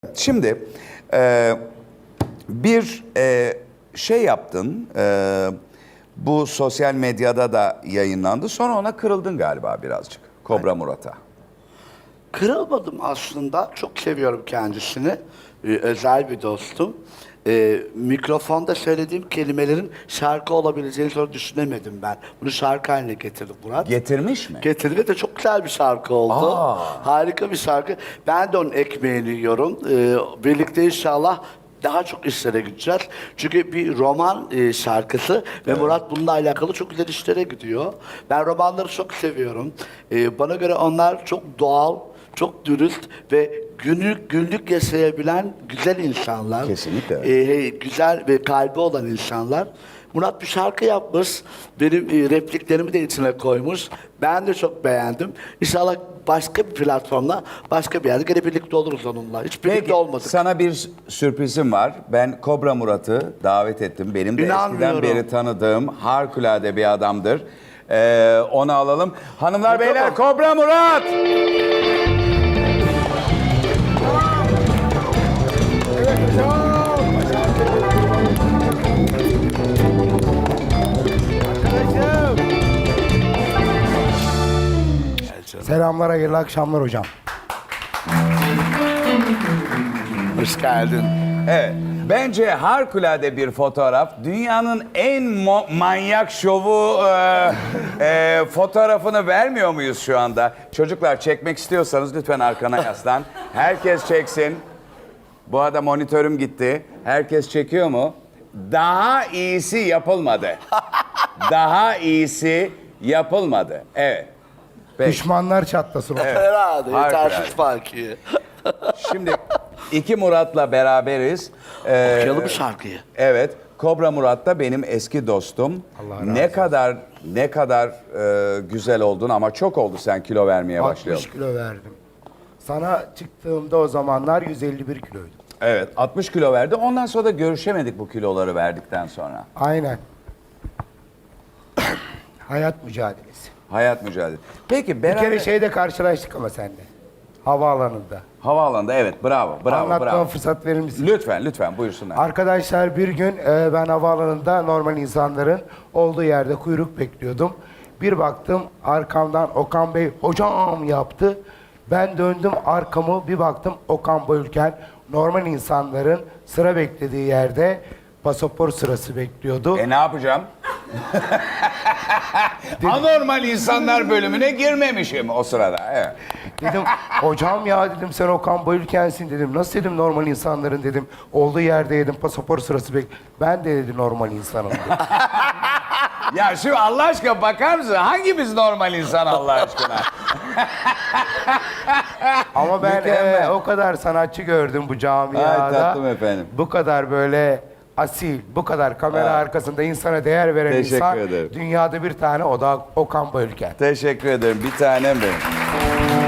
Şimdi bir şey yaptın, bu sosyal medyada da yayınlandı. Sonra ona kırıldın galiba birazcık, Kobra Murat'a. Kırılmadım aslında. Çok seviyorum kendisini. Özel bir dostum. Mikrofonda söylediğim kelimelerin şarkı olabileceğini sonra düşünemedim ben. Bunu şarkı haline getirdim Murat. Getirmiş mi? Getirdi de çok güzel bir şarkı oldu. Aa. Harika bir şarkı. Ben de onun ekmeğini yiyorum. Birlikte inşallah daha çok işlere gideceğiz. Çünkü bir roman şarkısı ve Murat bununla alakalı çok güzel işlere gidiyor. Ben romanları çok seviyorum. Bana göre onlar çok doğal, çok dürüst ve günlük yaşayabilen güzel insanlar. Kesinlikle. Güzel ve kalbi olan insanlar. Murat bir şarkı yapmış. Benim repliklerimi de içine koymuş. Ben de çok beğendim. İnşallah başka bir platformda, başka bir yerde gene birlikte oluruz onunla. Hiç birlikte Peki, olmadık. sana bir sürprizim var. Ben Kobra Murat'ı davet ettim. Benim de eskiden İnanmıyorum. beri tanıdığım harikulade bir adamdır. Onu alalım. Hanımlar, beyler, Kobra Murat! Selamlar, hayırlı akşamlar hocam. Hoş geldin. Evet. Bence harikulade bir fotoğraf. Dünyanın en manyak şovu fotoğrafını vermiyor muyuz şu anda? Çocuklar, çekmek istiyorsanız lütfen arkana yaslan. Herkes çeksin. Bu arada monitörüm gitti. Herkes çekiyor mu? Daha iyisi yapılmadı. Daha iyisi yapılmadı. Evet. Peki. Düşmanlar çatlasın hocam. Herhalde. Harikulade. Yetersiz farkı. Şimdi iki Murat'la beraberiz. Okuyalım şarkıyı. Evet. Kobra Murat da benim eski dostum. Allah razı Ne kadar güzel oldun ama çok oldu sen kilo vermeye 60 başlayalım. kilo verdim. Sana çıktığımda o zamanlar 151 kiloydum. Evet, 60 kilo verdi. Ondan sonra da görüşemedik bu kiloları verdikten sonra. Aynen. Hayat mücadelesi. Hayat mücadelesi. Peki Bir beraber... kere şeyde karşılaştık ama seninle. Havaalanında. Havaalanında, evet, bravo. Anlatmama fırsat verir misin? Lütfen buyursunlar. Arkadaşlar, bir gün ben havaalanında normal insanların olduğu yerde kuyruk bekliyordum. Bir baktım arkamdan Okan Bey hocam yaptı. Ben döndüm arkamı, bir baktım Okan Bayülken normal insanların sıra beklediği yerde pasaport sırası bekliyordu. Ne yapacağım? Anormal insanlar bölümüne girmemişim o sırada. Evet. Dedim hocam ya dedim, sen Okan Bayülken'sin dedim. Nasıl dedim normal insanların dedim olduğu yerde dedim pasaport sırası ben de dedi normal insanım dedim. Ya şu Allah aşkına bakar mısın? Hangimiz normal insan Allah aşkına? Ama ben Mükemmel. o kadar sanatçı gördüm bu camiada. Ay tatlım efendim. Bu kadar böyle asil, bu kadar kamera arkasında insana değer veren Teşekkür insan ederim. dünyada bir tane, o da Okan Bayülken. Teşekkür ederim. Bir tanem benim.